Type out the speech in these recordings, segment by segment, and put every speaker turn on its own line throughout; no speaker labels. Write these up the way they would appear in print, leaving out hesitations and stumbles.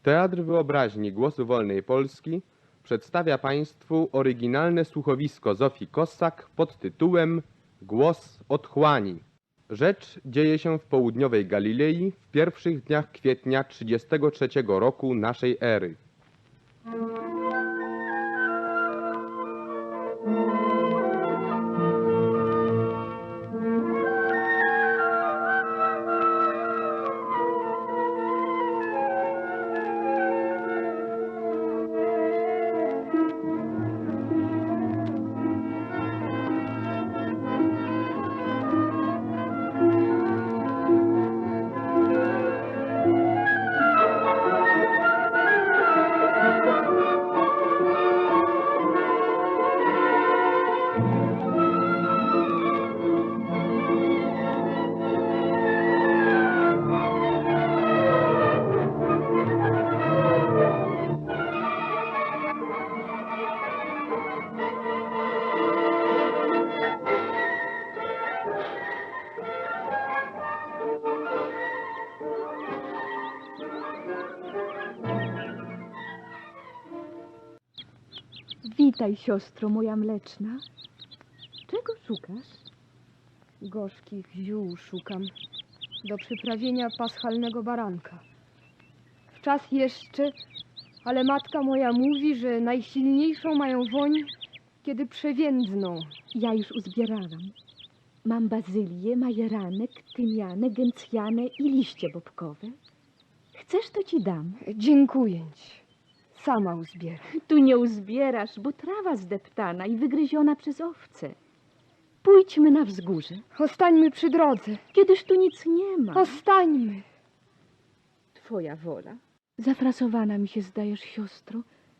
Teatr Wyobraźni Głosu Wolnej Polski przedstawia Państwu oryginalne słuchowisko Zofii Kossak pod tytułem Głos Otchłani. Rzecz dzieje się w południowej Galilei w pierwszych dniach kwietnia 33 roku naszej ery.
Witaj, siostro moja mleczna. Czego szukasz?
Gorzkich ziół szukam do przyprawienia paschalnego baranka. W czas jeszcze, ale matka moja mówi, że najsilniejszą mają woń, kiedy przewiędzną.
Ja już uzbierałam. Mam bazylię, majeranek, tymianę, gęcjanę i liście bobkowe. Chcesz, to ci dam.
Dziękuję ci. Sama uzbieram.
Tu nie uzbierasz, bo trawa zdeptana i wygryziona przez owce. Pójdźmy na wzgórze.
Ostańmy przy drodze.
Kiedyż tu nic nie ma.
Ostańmy.
Twoja wola. Zafrasowana mi się zdajesz, siostro.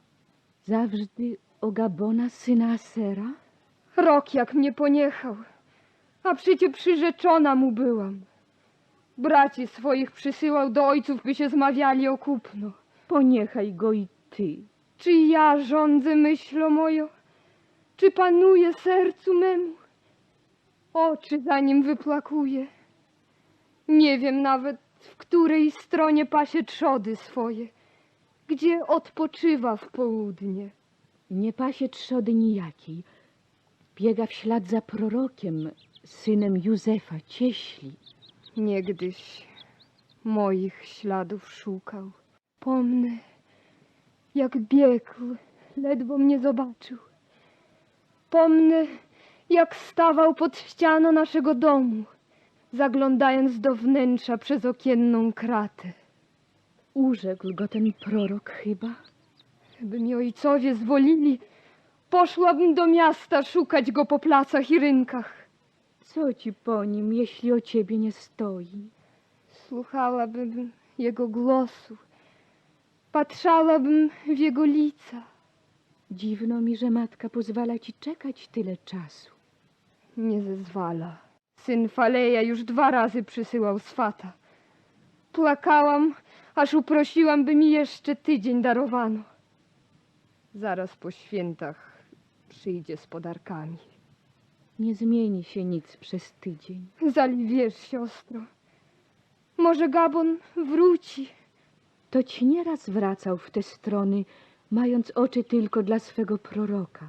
Zawsze o Gabona, syna Asera.
Rok jak mnie poniechał, a przecie przyrzeczona mu byłam. Braci swoich przysyłał do ojców, by się zmawiali o kupno.
Poniechaj go i ty.
Czy ja rządzę myślą moją? Czy panuje sercu memu? Oczy za nim wyplakuje. Nie wiem nawet, w której stronie pasie trzody swoje, gdzie odpoczywa w południe.
Nie pasie trzody nijakiej. Biega w ślad za prorokiem, synem Józefa, cieśli.
Niegdyś moich śladów szukał. Pomnę, jak biegł, ledwo mnie zobaczył. Pomnę, jak stawał pod ścianą naszego domu, zaglądając do wnętrza przez okienną kratę.
Urzekł go ten prorok chyba?
By mi ojcowie zwolili, poszłabym do miasta szukać go po placach i rynkach.
Co ci po nim, jeśli o ciebie nie stoi?
Słuchałabym jego głosu, patrzałabym w jego lica.
Dziwno mi, że matka pozwala ci czekać tyle czasu.
Nie zezwala. Syn Faleja już 2 razy przysyłał swata. Płakałam, aż uprosiłam, by mi jeszcze tydzień darowano. Zaraz po świętach przyjdzie z podarkami.
Nie zmieni się nic przez tydzień.
Zali wiesz, siostro, może Gabon wróci.
To ci nieraz wracał w te strony, mając oczy tylko dla swego proroka.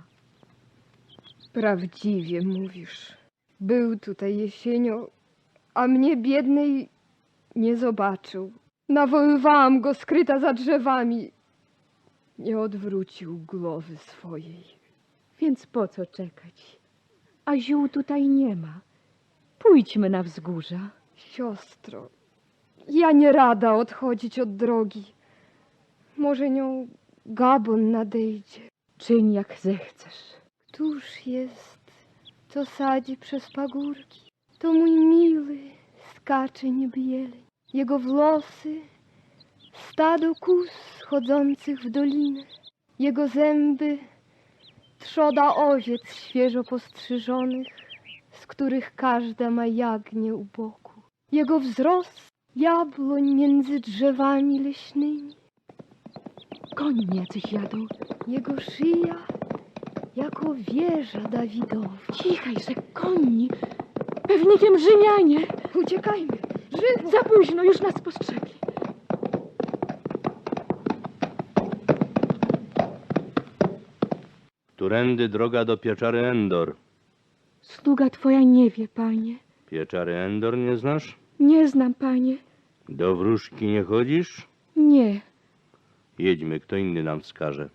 Prawdziwie mówisz. Był tutaj jesienią, a mnie biednej nie zobaczył. Nawoływałam go skryta za drzewami. Nie odwrócił głowy swojej.
Więc po co czekać? A ziół tutaj nie ma. Pójdźmy na wzgórza.
Siostro, ja nie rada odchodzić od drogi. Może nią Gabon nadejdzie.
Czyń jak zechcesz.
Któż jest, co sadzi przez pagórki? To mój miły, skacze niby jeleń. Jego włosy, stado kóz chodzących w dolinę. Jego zęby, trzoda owiec świeżo postrzyżonych, z których każda ma jagnię u boku. Jego wzrost, jabłoń między drzewami leśnymi.
Koni jacyś jadą.
Jego szyja, jako wieża Dawidowa.
Cichajże, koni. Pewnikiem Rzymianie.
Uciekajmy, żywo!
Za późno, już nas postrzegli.
Którędy droga do pieczary Endor?
Sługa twoja nie wie, panie.
Pieczary Endor nie znasz?
Nie znam, panie.
Do wróżki nie chodzisz?
Nie.
Jedźmy, kto inny nam wskaże.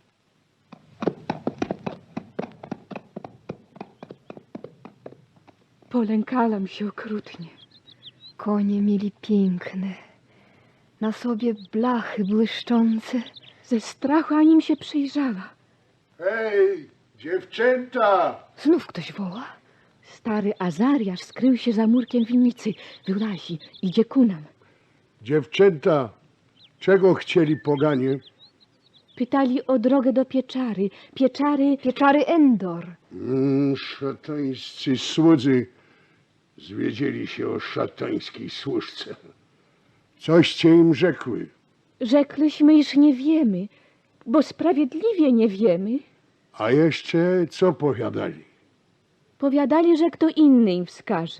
Polękałam się okrutnie.
Konie mieli piękne, na sobie blachy błyszczące.
Ze strachu anim się przyjrzała.
Hej, dziewczęta!
Znów ktoś woła.
Stary Azariasz skrył się za murkiem winnicy. Wyłazi, idzie ku nam.
Dziewczęta, czego chcieli poganie?
Pytali o drogę do pieczary.
Pieczary Endor.
Szatańscy słudzy zwiedzieli się o szatańskiej służce. Coście im rzekły?
Rzekliśmy, iż nie wiemy, bo sprawiedliwie nie wiemy.
A jeszcze co powiadali?
Powiadali, że kto inny im wskaże.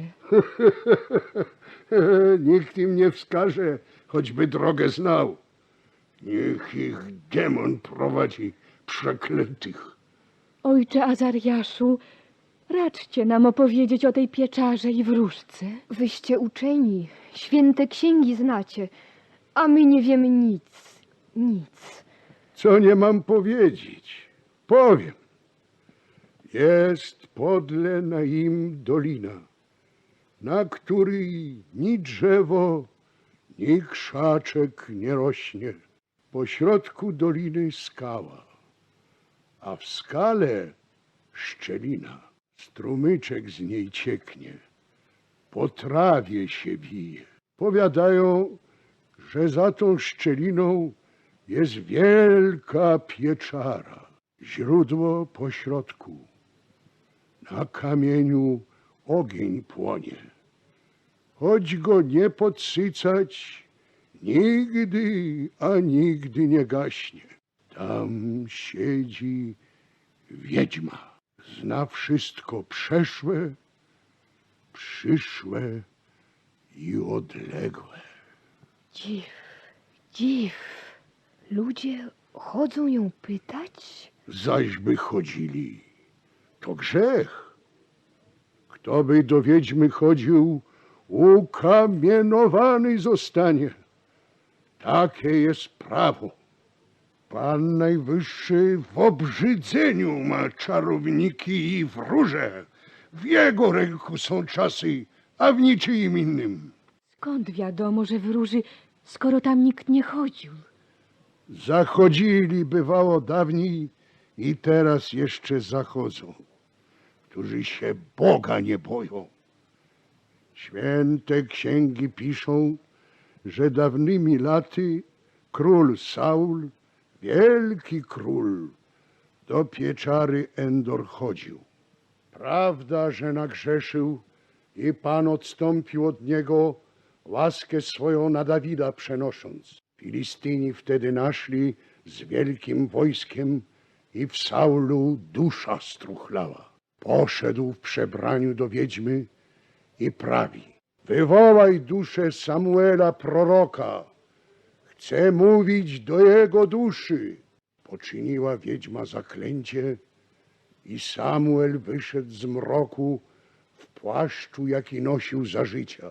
Nikt im nie wskaże, choćby drogę znał. Niech ich demon prowadzi, przeklętych.
Ojcze Azariaszu, raczcie nam opowiedzieć o tej pieczarze i wróżce.
Wyście uczeni, święte księgi znacie, a my nie wiemy nic. Nic.
Co nie mam powiedzieć? Powiem. Jest podle na im dolina, na której ni drzewo, ni krzaczek nie rośnie. Po środku doliny skała, a w skale szczelina. Strumyczek z niej cieknie, po trawie się wije. Powiadają, że za tą szczeliną jest wielka pieczara, źródło po środku. Na kamieniu ogień płonie, choć go nie podsycać, nigdy, a nigdy nie gaśnie. Tam siedzi wiedźma, zna wszystko przeszłe, przyszłe i odległe.
Dziw. Ludzie chodzą ją pytać?
Zaś by chodzili, to grzech. Kto by do wiedźmy chodził, ukamienowany zostanie. Takie jest prawo. Pan Najwyższy w obrzydzeniu ma czarowniki i wróże. W jego ręku są czasy, a w niczyim innym.
Skąd wiadomo, że wróży, skoro tam nikt nie chodził?
Zachodzili bywało dawniej i teraz jeszcze zachodzą, którzy się Boga nie boją. Święte księgi piszą, że dawnymi laty król Saul, wielki król, do pieczary Endor chodził. Prawda, że nagrzeszył i Pan odstąpił od niego, łaskę swoją na Dawida przenosząc. Filistyni wtedy naszli z wielkim wojskiem i w Saulu dusza struchlała. Poszedł w przebraniu do wiedźmy i prawi: wywołaj duszę Samuela proroka, chcę mówić do jego duszy. Poczyniła wiedźma zaklęcie i Samuel wyszedł z mroku w płaszczu, jaki nosił za życia.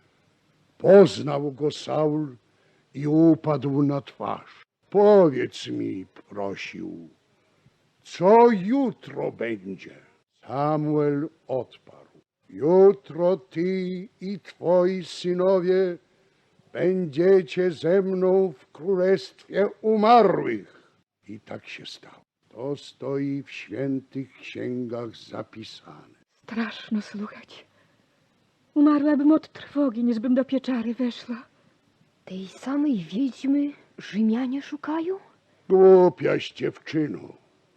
Poznał go Saul i upadł na twarz. Powiedz mi, prosił, co jutro będzie? Samuel odparł: jutro ty i twoi synowie będziecie ze mną w królestwie umarłych. I tak się stało. To stoi w świętych księgach zapisane.
Straszno słuchać. Umarłabym od trwogi, niż bym do pieczary weszła.
Tej samej wiedźmy Rzymianie szukają?
Głupiaś dziewczyno.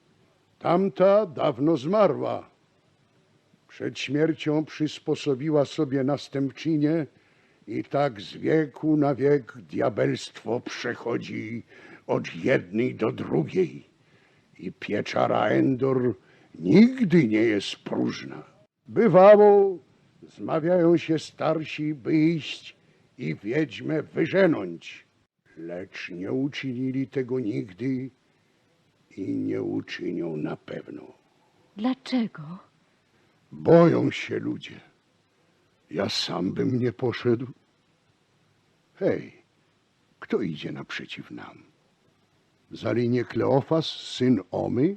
Tamta dawno zmarła. Przed śmiercią przysposobiła sobie następczynię i tak z wieku na wiek diabelstwo przechodzi od jednej do drugiej. I pieczara Endor nigdy nie jest próżna. Bywało, zmawiają się starsi, by iść i wiedźmę wyżenąć, lecz nie uczynili tego nigdy i nie uczynią na pewno.
Dlaczego?
Boją się ludzie. Ja sam bym nie poszedł. Hej, kto idzie naprzeciw nam? Zali nie Kleofas, syn Omy?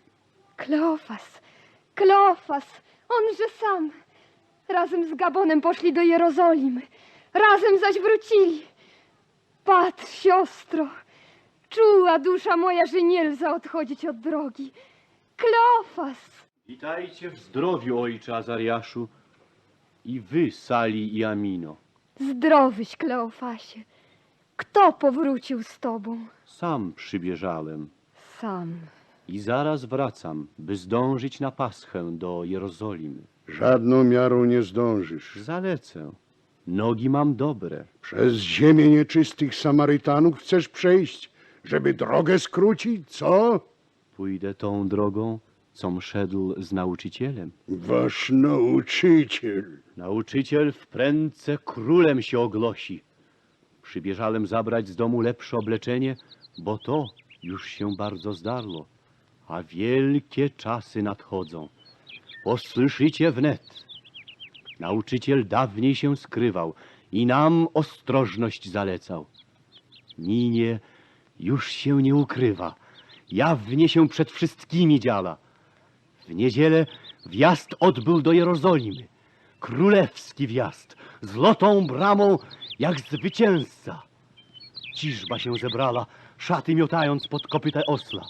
Kleofas, onże sam. Razem z Gabonem poszli do Jerozolimy. Razem zaś wrócili. Patrz, siostro, czuła dusza moja, że nie lza odchodzić od drogi. Kleofas!
Witajcie w zdrowiu, ojcze Azariaszu, i wy, Sali i Amino.
Zdrowyś, Kleofasie. Kto powrócił z tobą?
Sam przybieżałem
Sam.
i zaraz wracam, by zdążyć na Paschę do Jerozolimy.
Żadną miarą nie zdążysz.
Zalecę. Nogi mam dobre.
Przez ziemię nieczystych Samarytanów chcesz przejść, żeby drogę skrócić, co?
Pójdę tą drogą, com szedł z nauczycielem.
Wasz nauczyciel.
Nauczyciel wprędce królem się ogłosi. Przybieżałem zabrać z domu lepsze obleczenie, bo to już się bardzo zdarło, a wielkie czasy nadchodzą. Posłyszycie wnet. Nauczyciel dawniej się skrywał i nam ostrożność zalecał. Ninie już się nie ukrywa, jawnie się przed wszystkimi dziala. W niedzielę wjazd odbył do Jerozolimy. Królewski wjazd, z lotą bramą, jak zwycięzca. Ciżba się zebrała, szaty miotając pod kopytę osla.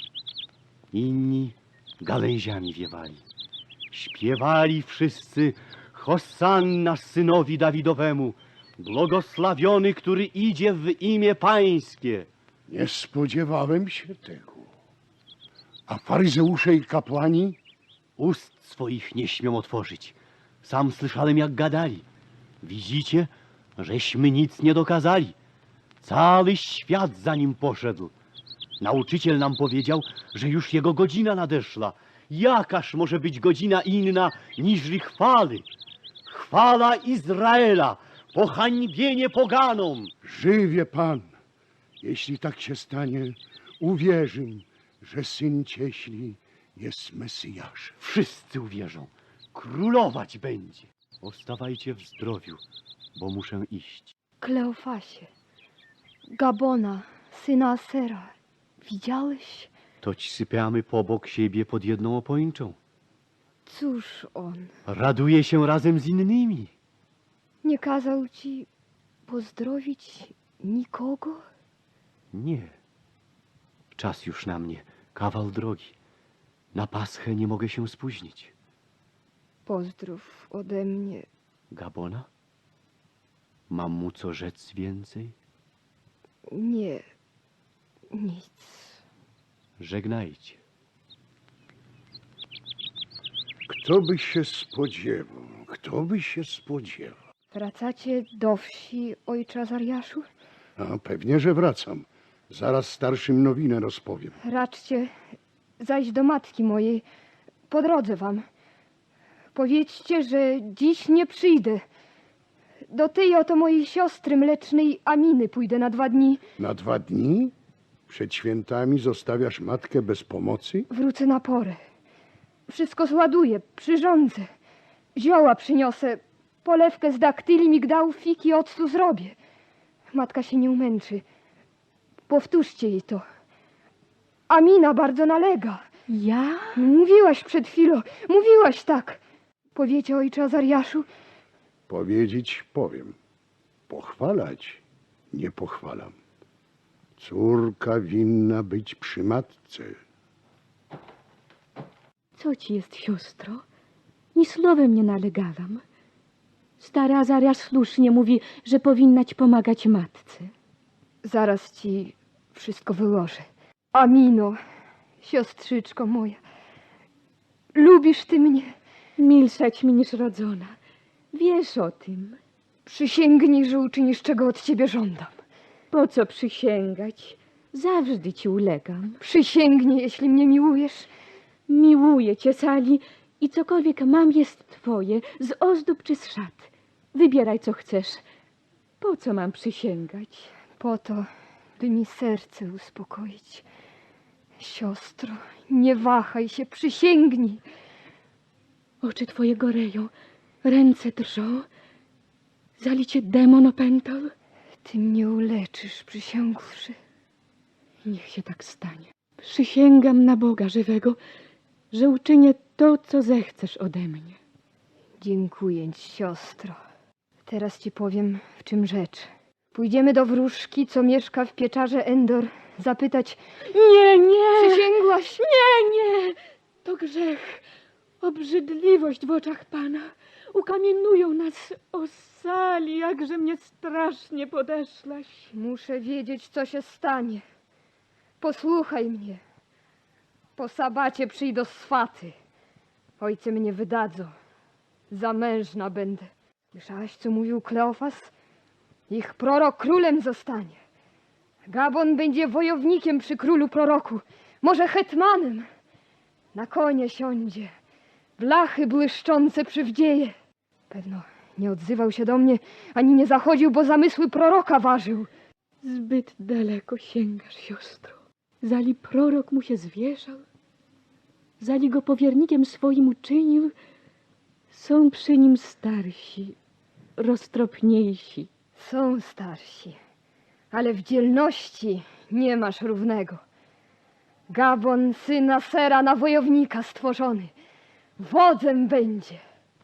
Inni gałęziami wiewali. Śpiewali wszyscy Hosanna synowi Dawidowemu, błogosławiony, który idzie w imię Pańskie.
Nie spodziewałem się tego. A faryzeusze i kapłani?
Ust swoich nie śmią otworzyć. Sam słyszałem, jak gadali. Widzicie, żeśmy nic nie dokazali. Cały świat za nim poszedł. Nauczyciel nam powiedział, że już jego godzina nadeszła. Jakaż może być godzina inna niżli chwały? Chwala Izraela, pohańbienie poganom.
Żywie Pan. Jeśli tak się stanie, uwierzę, że syn cieśli jest Mesjaszem.
Wszyscy uwierzą. Królować będzie. Ostawajcie w zdrowiu, bo muszę iść.
Kleofasie, Gabona, syna Asera, widziałeś?
Toć sypiamy pobok siebie pod jedną opończą.
Cóż on?
Raduje się razem z innymi.
Nie kazał ci pozdrowić nikogo?
Nie. Czas już na mnie, kawał drogi. Na Paschę nie mogę się spóźnić.
Pozdrów ode mnie.
Gabona? Mam mu co rzec więcej?
Nie, nic.
Żegnajcie.
Kto by się spodziewał? Kto by się spodziewał?
Wracacie do wsi, ojcze Azariaszu?
A pewnie, że wracam. Zaraz starszym nowinę rozpowiem.
Raczcie zajść do matki mojej. Po drodze wam. Powiedzcie, że dziś nie przyjdę. Do tej oto mojej siostry mlecznej Aminy pójdę na 2 dni.
Na 2 dni? Przed świętami zostawiasz matkę bez pomocy?
Wrócę na porę. Wszystko zładuję, przyrządzę. Zioła przyniosę. Polewkę z daktyli, migdałów, fig i octu zrobię. Matka się nie umęczy. Powtórzcie jej to. Amina bardzo nalega.
Ja?
Mówiłaś przed chwilą, mówiłaś tak. Powiecie, ojcze Azariaszu?
Powiedzieć powiem. Pochwalać nie pochwalam. Córka winna być przy matce.
Co ci jest, siostro? Ni słowem nie nalegałam. Stary Azariasz słusznie mówi, że powinnaś pomagać matce.
Zaraz ci wszystko wyłożę. Amino, siostrzyczko moja, lubisz ty mnie?
Milszać mi niż rodzona. Wiesz o tym.
Przysięgnij, że uczynisz, czego od ciebie żądam.
Po co przysięgać? Zawsze ci ulegam.
Przysięgnij, jeśli mnie miłujesz.
Miłuję cię, Sali, i cokolwiek mam jest twoje, z ozdób czy z szat. Wybieraj, co chcesz. Po co mam przysięgać?
Po to, by mi serce uspokoić. Siostro, nie wahaj się, przysięgnij.
Oczy twoje goreją, ręce drżą. Zali cię demon opętał?
Ty mnie uleczysz, przysiągłszy.
Niech się tak stanie. Przysięgam na Boga żywego, że uczynię to, co zechcesz ode mnie.
Dziękuję ci, siostro. Teraz ci powiem, w czym rzecz. Pójdziemy do wróżki, co mieszka w pieczarze Endor, zapytać...
Nie, nie!
Przysięgłaś?
Nie! To grzech, obrzydliwość w oczach Pana. Ukamiennują nas. O Sali, jakże mnie strasznie podeszłaś.
Muszę wiedzieć, co się stanie. Posłuchaj mnie. Po sabacie przyjdą swaty. Ojcy mnie wydadzą. Zamężna będę. Słyszałaś, co mówił Kleofas? Ich prorok królem zostanie. Gabon będzie wojownikiem przy królu proroku. Może hetmanem. Na konie siądzie. Blachy błyszczące przywdzieje. Pewno nie odzywał się do mnie, ani nie zachodził, bo zamysły proroka ważył.
Zbyt daleko sięgasz, siostro. Zali prorok mu się zwierzał, zali go powiernikiem swoim uczynił, są przy nim starsi, roztropniejsi.
Są starsi, ale w dzielności nie masz równego. Gabon, syna Sera, na wojownika stworzony. Wodzem będzie.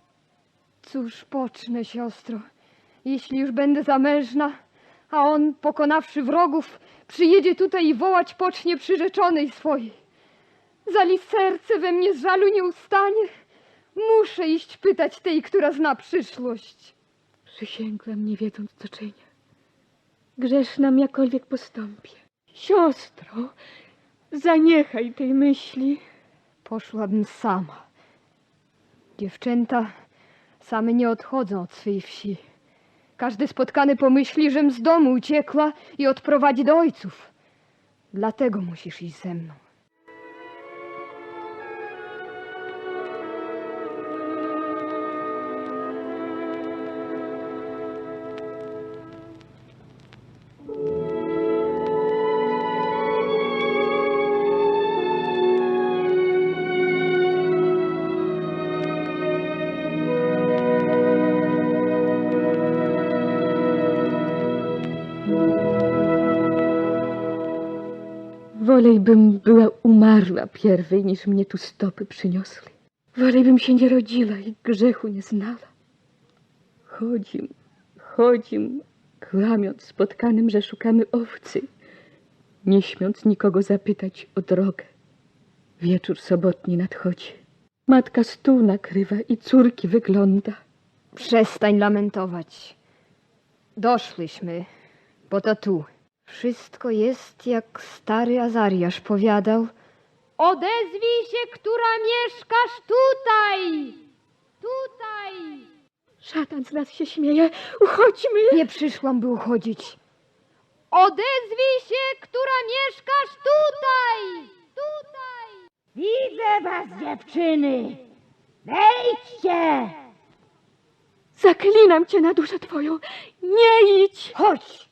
Cóż pocznę, siostro, jeśli już będę zamężna, a on, pokonawszy wrogów, przyjedzie tutaj i wołać pocznie przyrzeczonej swojej. Zali serce we mnie z żalu nie ustanie. Muszę iść pytać tej, która zna przyszłość.
Przysięgłam, nie wiedząc, co czynię. Grzesznam, jakkolwiek postąpię. Siostro, zaniechaj tej myśli.
Poszłabym sama. Dziewczęta same nie odchodzą od swej wsi. Każdy spotkany pomyśli, żem z domu uciekła i odprowadzi do ojców. Dlatego musisz iść ze mną.
Wolejbym była umarła pierwej, niż mnie tu stopy przyniosły. Wolejbym się nie rodziła i grzechu nie znała. Chodzim, kłamiąc spotkanym, że szukamy owcy, nie śmiąc nikogo zapytać o drogę. Wieczór sobotni nadchodzi. Matka stół nakrywa i córki wygląda.
Przestań lamentować. Doszłyśmy, bo to tu. Wszystko jest, jak stary Azariasz powiadał. Odezwij się, która mieszkasz tutaj! Tutaj!
Szatan z nas się śmieje. Uchodźmy!
Nie przyszłam, by uchodzić. Odezwij się, która mieszkasz tutaj! Tutaj!
Widzę was, dziewczyny! Wejdźcie!
Zaklinam cię na duszę twoją. Nie idź!
Chodź!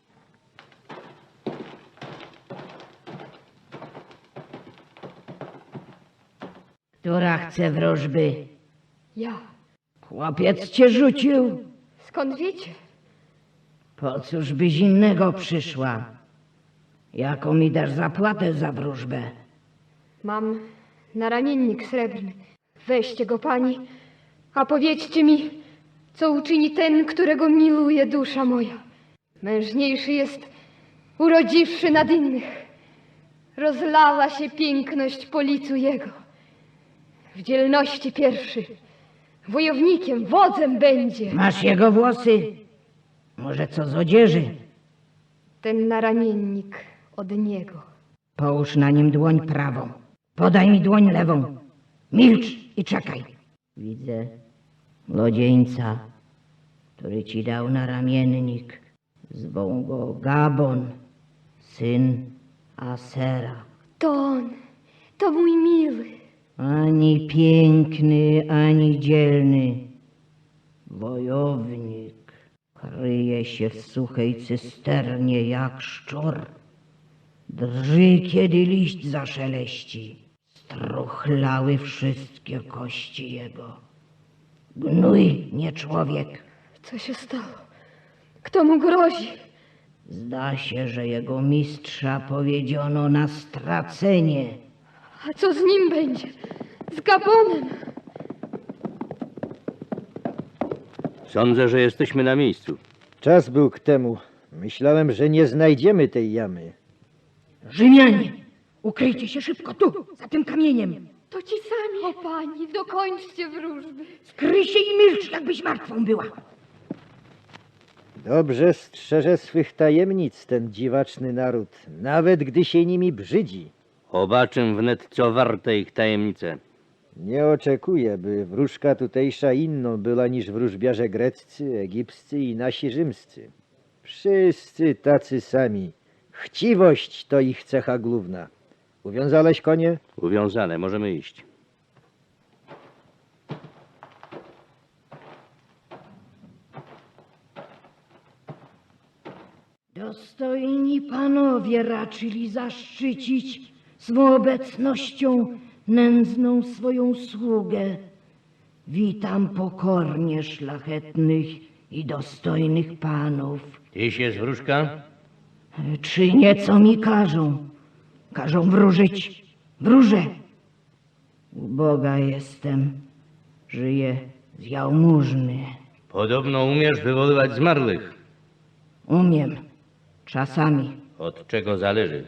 Która chce wróżby?
Ja.
Chłopiec cię rzucił.
Skąd wiecie?
Po cóż byś innego przyszła? Jaką mi dasz zapłatę za wróżbę?
Mam naramiennik srebrny. Weźcie go, pani, a powiedzcie mi, co uczyni ten, którego miluje dusza moja. Mężniejszy jest, urodziwszy nad innych. Rozlała się piękność po licu jego. W dzielności pierwszy, wojownikiem, wodzem będzie.
Masz jego włosy? Może co z odzieży?
Ten naramiennik od niego.
Połóż na nim dłoń prawą. Podaj mi dłoń lewą. Milcz i czekaj. Widzę młodzieńca, który ci dał naramiennik. Zwą go Gabon, syn Asera.
To on, to mój miły.
Ani piękny, ani dzielny. Wojownik kryje się w suchej cysternie jak szczur. Drży, kiedy liść zaszeleści. Struchlały wszystkie kości jego. Gnój, nie człowiek.
Co się stało? Kto mu grozi?
Zda się, że jego mistrza powiedziono na stracenie.
A co z nim będzie? Z Gabonem?
Sądzę, że jesteśmy na miejscu.
Czas był k temu. Myślałem, że nie znajdziemy tej jamy.
Rzymianie, ukryjcie się szybko tu, za tym kamieniem.
To ci sami. O pani, dokończcie wróżby.
Skryj się i milcz, jakbyś martwą była.
Dobrze strzeże swych tajemnic ten dziwaczny naród, nawet gdy się nimi brzydzi.
Obaczę wnet, co warte ich tajemnice.
Nie oczekuję, by wróżka tutejsza inną była niż wróżbiarze greccy, egipscy i nasi rzymscy. Wszyscy tacy sami. Chciwość to ich cecha główna. Uwiązałeś konie?
Uwiązane, możemy iść.
Dostojni panowie raczyli zaszczycić swą obecnością nędzną swoją sługę. Witam pokornie szlachetnych i dostojnych panów.
Tyś jest wróżka?
Czynię, co mi każą. Każą wróżyć. Wróżę. U Boga jestem. Żyję z jałmużny.
Podobno umiesz wywoływać zmarłych.
Umiem. Czasami.
Od czego zależy?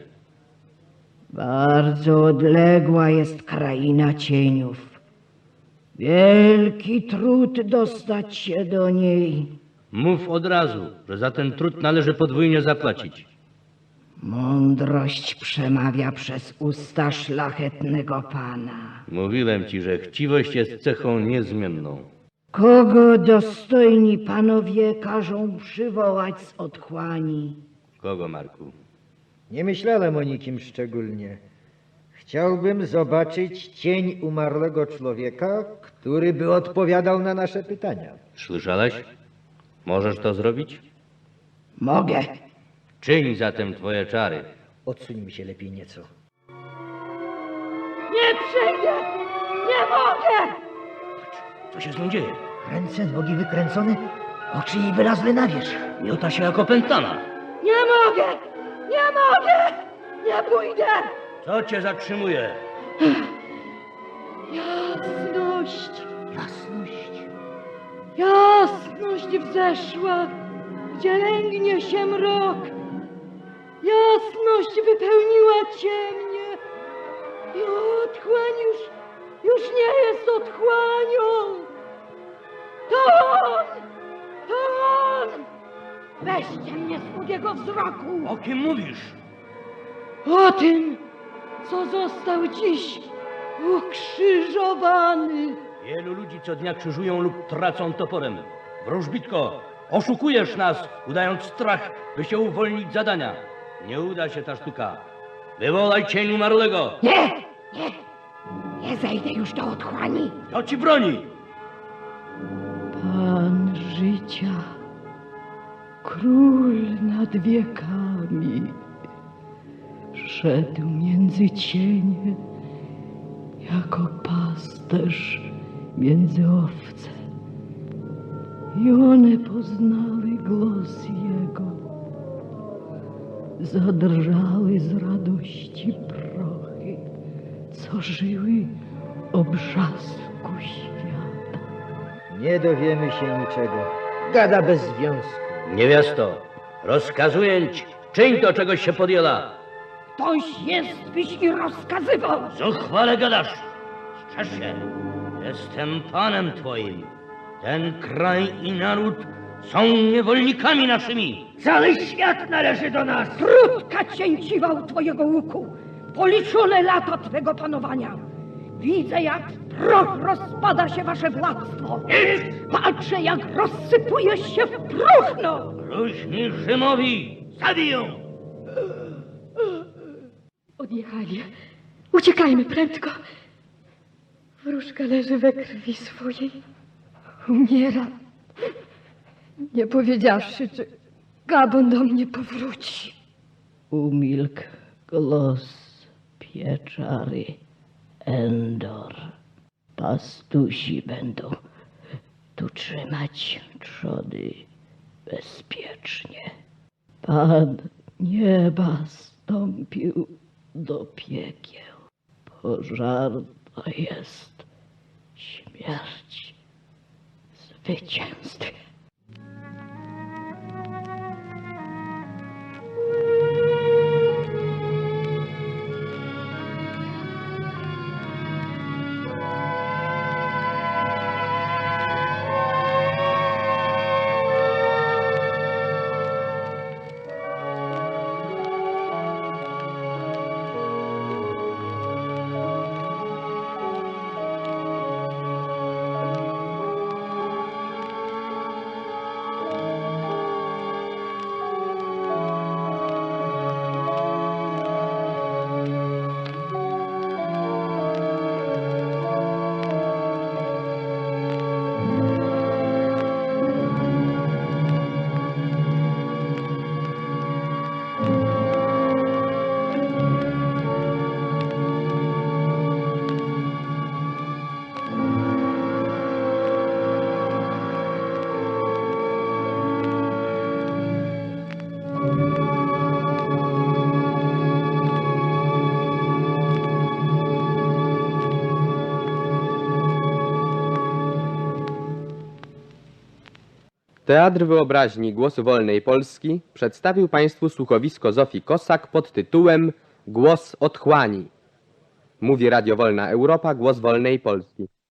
Bardzo odległa jest kraina cieniów. Wielki trud dostać się do niej.
Mów od razu, że za ten trud należy podwójnie zapłacić.
Mądrość przemawia przez usta szlachetnego pana.
Mówiłem ci, że chciwość jest cechą niezmienną.
Kogo dostojni panowie każą przywołać z otchłani?
Kogo, Marku?
Nie myślałem o nikim szczególnie. Chciałbym zobaczyć cień umarłego człowieka, który by odpowiadał na nasze pytania.
Słyszałeś? Możesz to zrobić?
Mogę.
Czyń zatem twoje czary.
Odsuńmy się lepiej nieco.
Nie przyjdę! Nie mogę!
Co się z nią dzieje?
Ręce, nogi wykręcone, oczy jej wylazły na wierzch.
Miota się jak opętana.
Nie mogę! Nie mogę! Nie pójdę!
Co cię zatrzymuje?
Jasność! Jasność! Jasność wzeszła, gdzie lęgnie się mrok. Jasność wypełniła ciemnie. I otchłań już nie jest otchłanią. To on! To on! Weźcie mnie spod jego wzroku!
O kim mówisz?
O tym, co został dziś ukrzyżowany.
Wielu ludzi co dnia krzyżują lub tracą toporem. Wróżbitko, oszukujesz nas, udając strach, by się uwolnić z zadania. Nie uda się ta sztuka. Wywołaj cień umarłego.
Nie zejdę już do otchłani.
Kto ci broni?
Pan życia, król nad wiekami, szedł między cienie, jako pasterz między owce. I one poznały głos jego, zadrżały z radości prochy, co żyły o brzasku świata.
Nie dowiemy się niczego. Gada bez związku.
Niewiasto, rozkazuję ci, czyń to, czegoś się podjęła.
Ktoś jest, byś mi rozkazywał.
Zuchwale gadasz. Strzeż się. Jestem panem twoim. Ten kraj i naród są niewolnikami naszymi.
Cały świat należy do nas. Krótka cięciwał twojego łuku. Policzone lata twego panowania. Widzę, jak proch rozpada się wasze władztwo. Patrzę, jak rozsypuje się w próchno.
Luźni Rzymowi, zabiją.
Odjechali. Uciekajmy prędko. Wróżka leży we krwi swojej. Umiera. Nie powiedziawszy, czy Gabon do mnie powróci.
Umilkł,
Głos pieczary Endor. Pastusi będą tu trzymać trzody bezpiecznie. Pan nieba stąpił do piekieł. Pożarna jest śmierć zwycięstwie.
Teatr Wyobraźni Głosu Wolnej Polski przedstawił Państwu słuchowisko Zofii Kossak pod tytułem Głos Otchłani. Mówi Radio Wolna Europa, Głos Wolnej Polski.